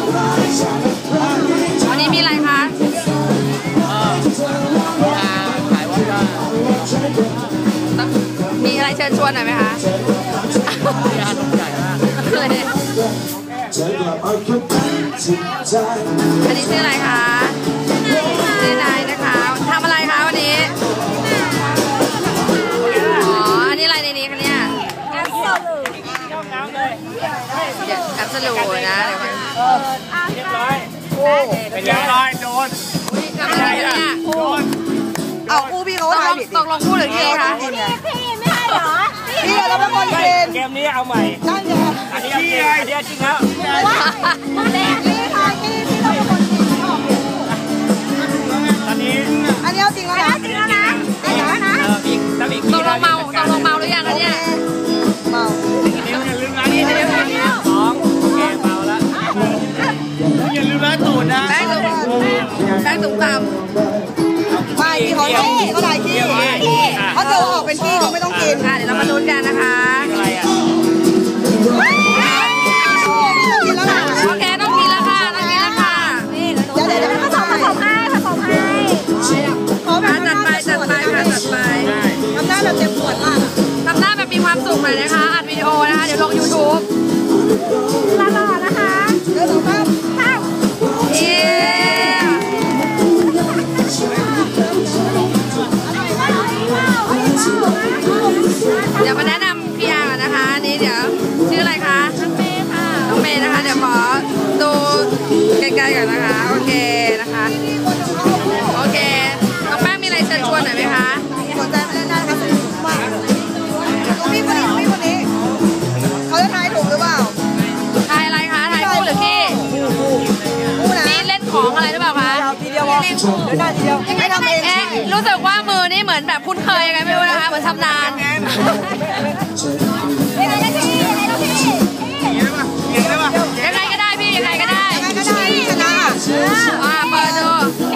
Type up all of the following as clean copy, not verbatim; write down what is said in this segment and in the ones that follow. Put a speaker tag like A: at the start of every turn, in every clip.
A: วันนี้มีอะไรคะ
B: ขายว่า
A: มีอะไรเชิญชวนหน่อยไหมคะ
B: งานใหญ่มาก
A: อันนี้ชื่ออะไรคะชื่อนายนะคะทำอะไรคะวันนี้อ๋ออันนี้อะไรในนี้คะเนี่ยแอปสลูนะเดี๋ยวมัน
B: เรียบร้อยโอ้เป็นเรียบร้อยโดน
A: ทำอะไรเนี่ย
C: เอาคู่พี่เขาถ่ายผิด
A: ตกลงคู่หรือพี่คะ
C: พี่ไม่ให้เหรอพี่เราเป็นคนเกม
B: เกมนี้เอาใหม่
C: นั่นไง
B: อันนี้จริงอันนี้จริงแล้ว
C: พี่ค่ะพี่เราเป็นคนเกม
B: ตอนนี้
C: อันนี้เอาจริงแล้วนะจริงแล้วนะจริงแล้วนะ
A: ตกลงเมาหรือยังคะเนี่ย
C: เมา
B: อย่าลืมร้านนี้2โอเคเมาแล้วอย่าลืมร้านตูดนะ
A: แป้งตุ๋มตำ
C: ไม่พี่เขาถ่ายขี้เขาจะออกเป็นขี้เขาไม่ต้องกิน
A: เดี๋ยวเรามาลุ้นกันนะคะ
B: อะไรอ่ะ
A: โอเคต้องกินแล้วค่ะต้องกินแล้วค่ะ
C: เดี๋ยวผสมให้
A: จัดไปค่ะจัดไป
C: ทำหน้าแบบเจ็บปวดมาก
A: ทำหน้าแบบมีความสุขหน่อยนะคะอัดวิดีโอนะคะเดี๋ยวลง YouTube
C: ลานะคะเดี๋ยวเราครับ
A: เดี๋ยวมาแนะนำพี่อาร์ก่อนนะคะนี่เดี๋ยวชื่ออะไรคะน้องเมย์ค่ะน้องเมย์นะคะเดี๋ยวขอดูใกล้ๆก่อนนะคะโอเคนะคะโอเคน้องแป้งมีอะไรเชิญชวนหน่อยไหมคะ
C: สนใจมาเล่นได้นะคะสนุกมากพี่คนนี้เขาจะทายถูกหรือเปล่า
A: ทายอะไรคะทายคู่หรือพี่พี่เล่นของอะไรหรือเปล่าคะ
C: ทีเดียวเล่นได้ทีเดียวไม่ทำเอง
A: รู้สึกว่ามือนี่เหมือนแบบคุ้นเคยยังไงไม่รู้นะคะเหมือนชำนาญยังไงก็ได้พี่ยังไงก็ได้
C: ชนะ
A: เปิดดู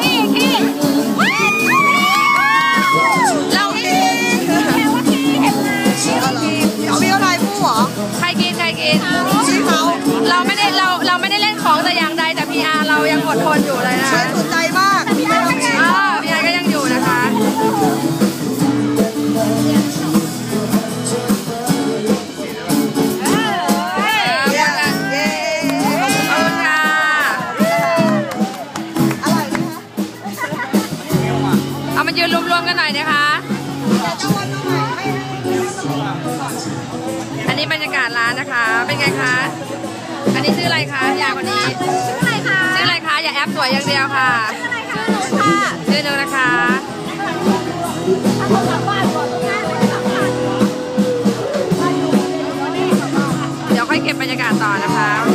A: เรา
C: เอาพี่เขาทายคู่เหรอ
A: ใครกิน
C: ชี้เขา
A: เราไม่ได้เล่นของแต่อย่างใดแต่พีอาร์เรายังอดทนอยู่เลยนะ
C: สนใจมาก
A: พีอาร์ก็ยังอยู่นะคะเอามายืนรวมๆกันหน่อยนะคะอันนี้บรรยากาศร้านนะคะเป็นไงคะอันนี้ชื่ออะไรคะยาคนนี้ชื่ออะไรคะอย่าแอปสวยอย่างเดียวค่ะชื่อหนูนะคะเดี๋ยวค่อยเก็บบรรยากาศต่อนะคะ